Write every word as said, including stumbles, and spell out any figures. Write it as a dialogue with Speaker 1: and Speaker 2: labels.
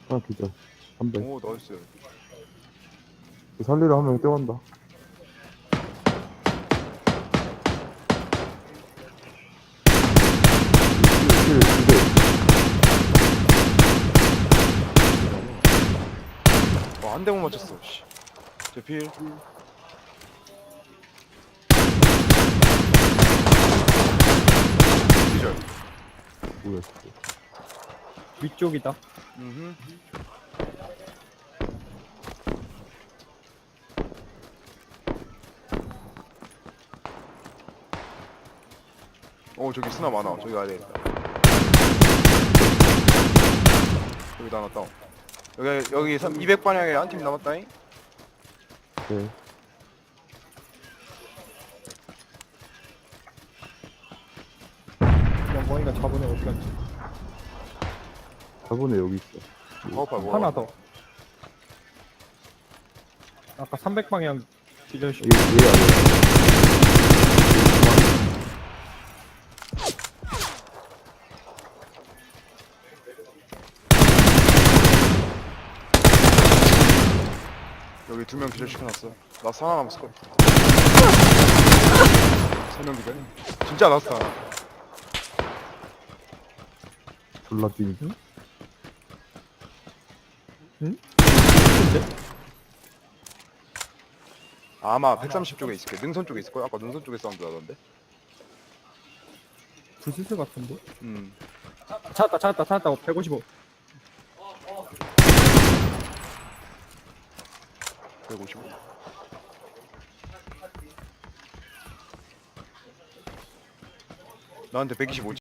Speaker 1: 하나 기절. 삼백.
Speaker 2: 오 나이스.
Speaker 1: 살리러 한 명 뛰어간다. 킬, 킬, 두
Speaker 2: 와, 한 대 못 맞췄어. 씨. 제 필. 기절.
Speaker 1: 개. 뭐야, 진짜.
Speaker 3: 위쪽이다.
Speaker 2: 음. 오 저기 스나 많아. 저기 가야 되겠다. 여기 하나 다운. 여기 여기 삼- 이백 방향에 한 팀 남았다잉.
Speaker 1: 네.
Speaker 3: 영광이가 잡으네 어디 갔지?
Speaker 1: 저번에 여기 있어.
Speaker 2: 파워팔 뭐?
Speaker 3: 하나 더. 아까 삼백 방향 기절시.
Speaker 1: 얘, 얘 아니야.
Speaker 2: 여기 두 명 기절 시켜놨어. 나 하나 남았을 걸. 세 명 기절. 진짜 나스타.
Speaker 1: 졸라 뛰니.
Speaker 2: 아마 백삼십 쪽에 있을 거야. 능선 쪽에 있을 거야. 아까 능선 쪽에 사운드 나던데.
Speaker 3: 부스스 같은데?
Speaker 2: 음.
Speaker 3: 찾았다 찾았다 찾았다. 백오십오.
Speaker 2: 백오십오. 나한테 백이십오.